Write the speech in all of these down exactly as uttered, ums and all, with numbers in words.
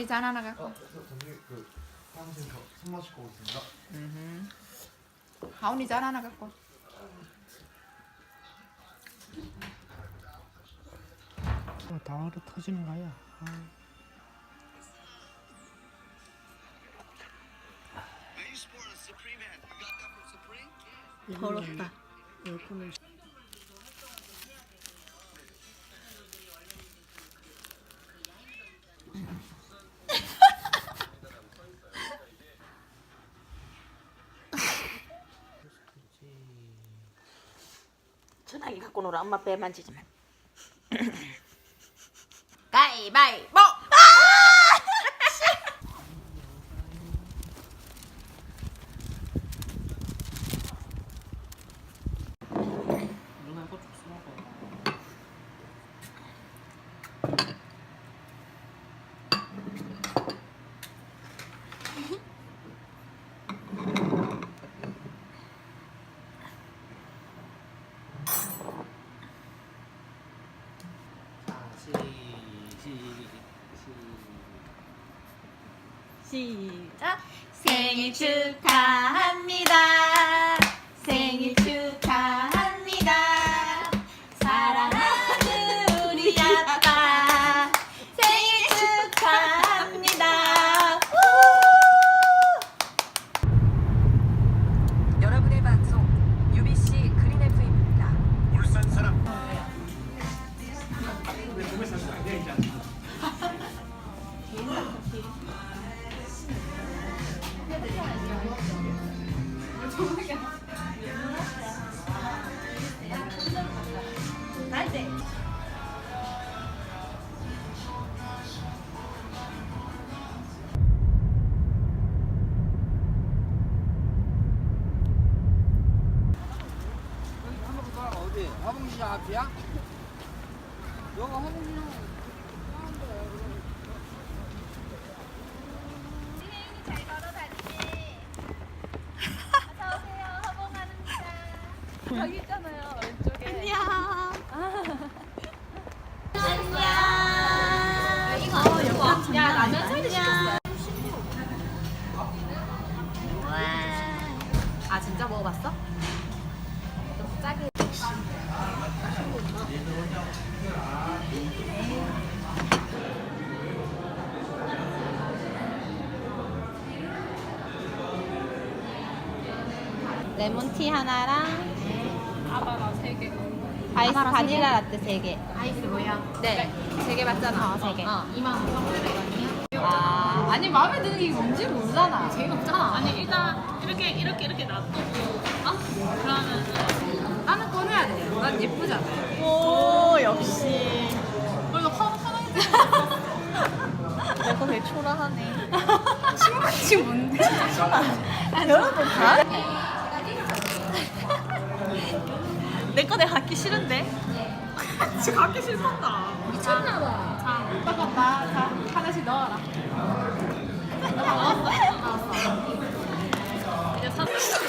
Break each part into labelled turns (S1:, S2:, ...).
S1: 하온이 잔 하나 갖고.
S2: 어, 저, 저기 그 사무실 손 마시고 오겠습니다.
S1: 음. 하온이 잔 하나 갖고.
S3: 어, 다하루 터지는 거야. 아.
S4: 더럽다. 에어컨을. 전화기 갖고 놀아. 엄마 배 만지지 마.
S1: 가위바위보.
S3: 누나 이거 좀 먹어.
S4: 시작.
S1: 생일 축하합니다. 생일 축하합니다. 사랑하는 우리 아빠 생일 축하합니다.
S5: 여러분의 방송 유비씨 그린 에프엠입니다.
S2: 울산 사람.
S3: 어디? 화봉시장 앞이야? 여기 화봉시장.
S6: 잘 걸어다니지. 어서오세요. 허봉하는입니다. 저기 있잖아요. 왼쪽에.
S4: 안녕.
S6: 안녕. 이거 여보. 야, 라면 사이드 시켰어요.
S1: 아 진짜 먹어봤어? 좀 짜게.
S4: 레몬티 하나랑
S6: 아바나 세 개.
S4: 아이스
S1: 아바라 세
S4: 바닐라
S1: 개?
S4: 라떼 세 개.
S6: 아이스 뭐야?
S1: 네. 세 개 맞잖아.
S4: 어, 세 개.
S1: 어.
S6: 이만 오천팔백 원이요?
S1: 아 아니 마음에 드는 게 뭔지 모르잖아.
S6: 재미없잖아. 아니 일단 이렇게 이렇게 이렇게 놔두고 어? 그러면
S1: 나는 꺼내야 돼. 난 예쁘잖아.
S4: 오 역시.
S6: 이거 화화장
S4: 내거 되게 초라하네.
S1: 신발이 뭔데?
S4: 여러분 다? 내거 내가 갖기 싫은데?
S6: 지금 갖기 싫었다.
S1: 미쳤나봐.
S6: 자,
S1: 잠깐만. 자 하나씩 넣어라.
S6: 나왔어? 나왔어. 이제 사.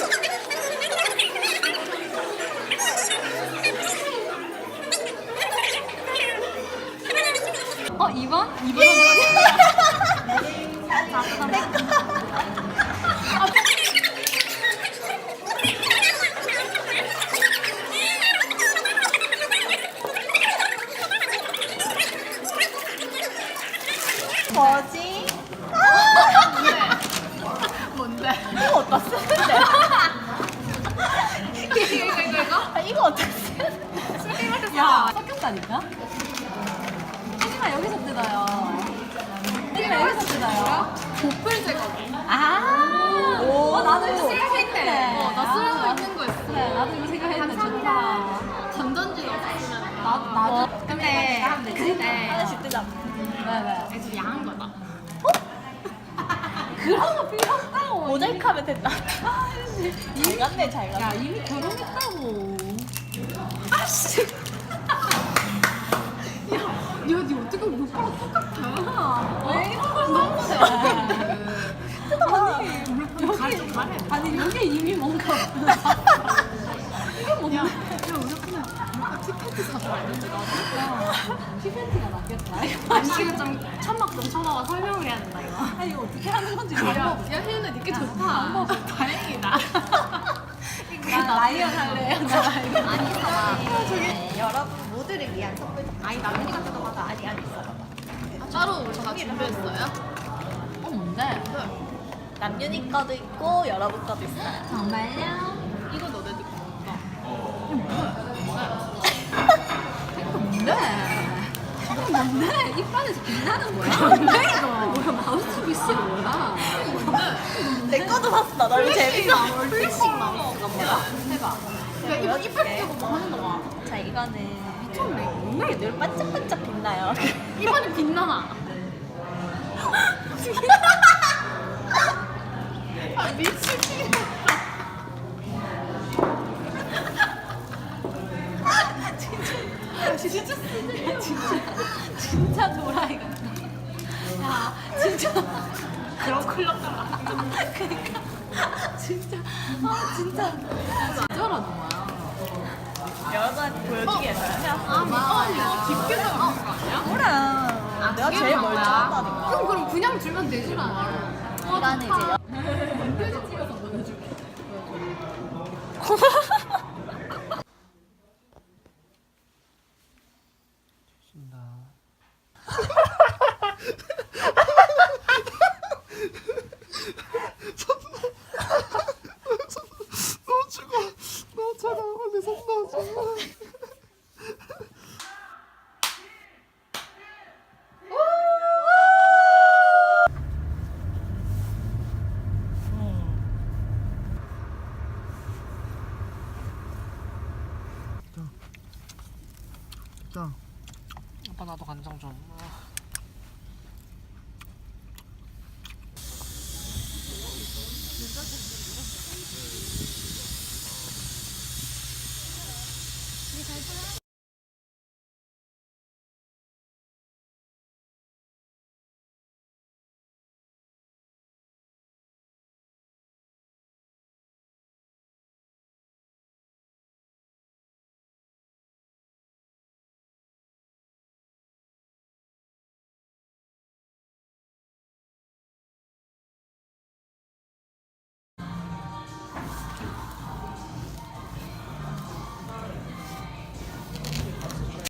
S1: 어 이 번? 이 번
S4: 뭐지?
S6: 뭔데?
S4: 이거 어디다 쓰는데?
S6: 이거 이거 이거?
S4: 아, 이거 어디다 쓰는데?
S1: 야 섞였다니까? 하지만 여기서 뜯어요. 하지만 여기서 뜯어요.
S6: 보풀 제거.
S1: 아.
S4: 오.
S1: 어 나도 이거 생각했네.
S6: 어, 나 쓰려고 있는 거 있어.
S1: 그래 나도 이거 생각했는데 좋다.
S6: 전전지 없으면
S1: 나 나도.
S6: 뭐,
S1: 근데 근데
S4: 하나씩 뜨자.
S1: 왜 왜?
S6: 좀 야한 거다.
S1: 그런 거 필요 없다고.
S4: 모자이크하면 된다. 잘 갔네 잘 갔네.
S1: 야 이미 결혼했다고. 아씨.
S6: 야, 니 어떻게 오빠랑 똑같아?
S1: 왜 이런 걸 써?
S6: 여기 좀 말해.
S1: 아니 여기 이미 뭔가. 이게 뭔데?
S6: 야, 우리 그냥 티켓트 사서 왔는데 나도.
S1: 티팬티가 낫겠다. 아니 이거 좀 천막 좀 쳐봐봐. 설명을 해야 된다 이거. 아니 이거 어떻게 하는 건지 몰라. 야 혜윤아 니께 좋다. 아, 다행이다. 나 라이언 할래요. 나 라이언. 아니 있어. 저기 여러분 모두를 위한 선물. 아니 남편이가 뜯어봐봐. 아니 아니 있어.
S6: 따로 다 준비했어요?
S1: 어 뭔데? 남윤이 거도 있고 여러분 거도 있어요. 정말요?
S6: 이거 너네 들 거다.
S1: 뭔데? 이거 뭔데? 이빨에서 빛나는 거야? 뭔데 이거? 뭐야 마우스피스 뭐야? 내 거도 샀어. 너무 재밌어. 플래싱 마우스가 뭐야? 해봐.
S6: 야 이거 이빨 끼고 뭐 하는 거야?
S1: 자 이거는 미쳤네. 이게 늘 반짝반짝 빛나요.
S6: 이빨이 빛나나? 아 미치겠다.
S1: 진짜 쓰네. 진짜 진짜 도라이 같아. 야 진짜
S6: 그런 클럽 같다.
S1: 그러니까 진짜 아 진짜 저러는 거야. 여러분한테 보여주기 위해서요.
S6: 아 맞아. 이거 깊게 들어가는 거 아니야?
S1: 그래. 아, 내가 제일 멀리 한다니까.
S6: 그럼 그럼 그냥 주면 되지 마.
S1: 이거는 이제
S6: 멘트지 찍어서 보내줄게.
S2: 너 죽어. 너 차가운 걸내 손 넣어.
S3: 자, 아빠 나도 간장 좀. 아.